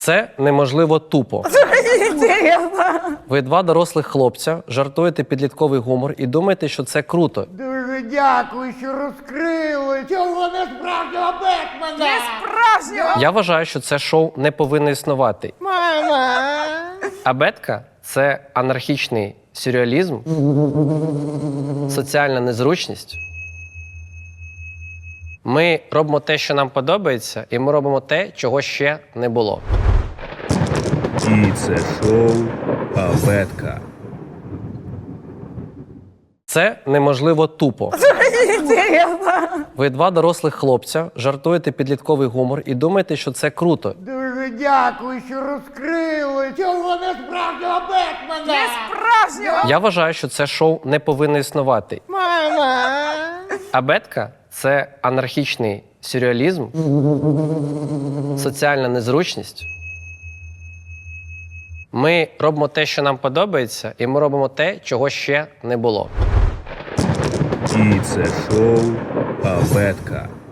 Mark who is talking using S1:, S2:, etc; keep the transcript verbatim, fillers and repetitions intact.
S1: Це неможливо тупо.
S2: Інтересно.
S1: Ви два дорослих хлопця, жартуєте підлітковий гумор і думаєте, що це круто.
S3: Дуже дякую, що розкрили цього несправжнього Бетмена!
S2: Не справжнього.
S1: Я вважаю, що це шоу не повинно існувати.
S3: Мама!
S1: А бетка – це анархічний сюрреалізм, соціальна незручність. Ми робимо те, що нам подобається, і ми робимо те, чого ще не було.
S4: І це шоу Абетка.
S1: Це неможливо тупо.
S2: Інтересно.
S1: Ви два дорослих хлопця, жартуєте підлітковий гумор і думаєте, що це круто.
S3: Дуже дякую, що розкрили цього несправжнього Бетмена!
S2: Не справжнього.
S1: Я вважаю, що це шоу не повинно існувати.
S3: Мама!
S1: А бетка – це анархічний сюрреалізм, соціальна незручність. Ми робимо те, що нам подобається, і ми робимо те, чого ще не було.
S4: І це шоу Абетка.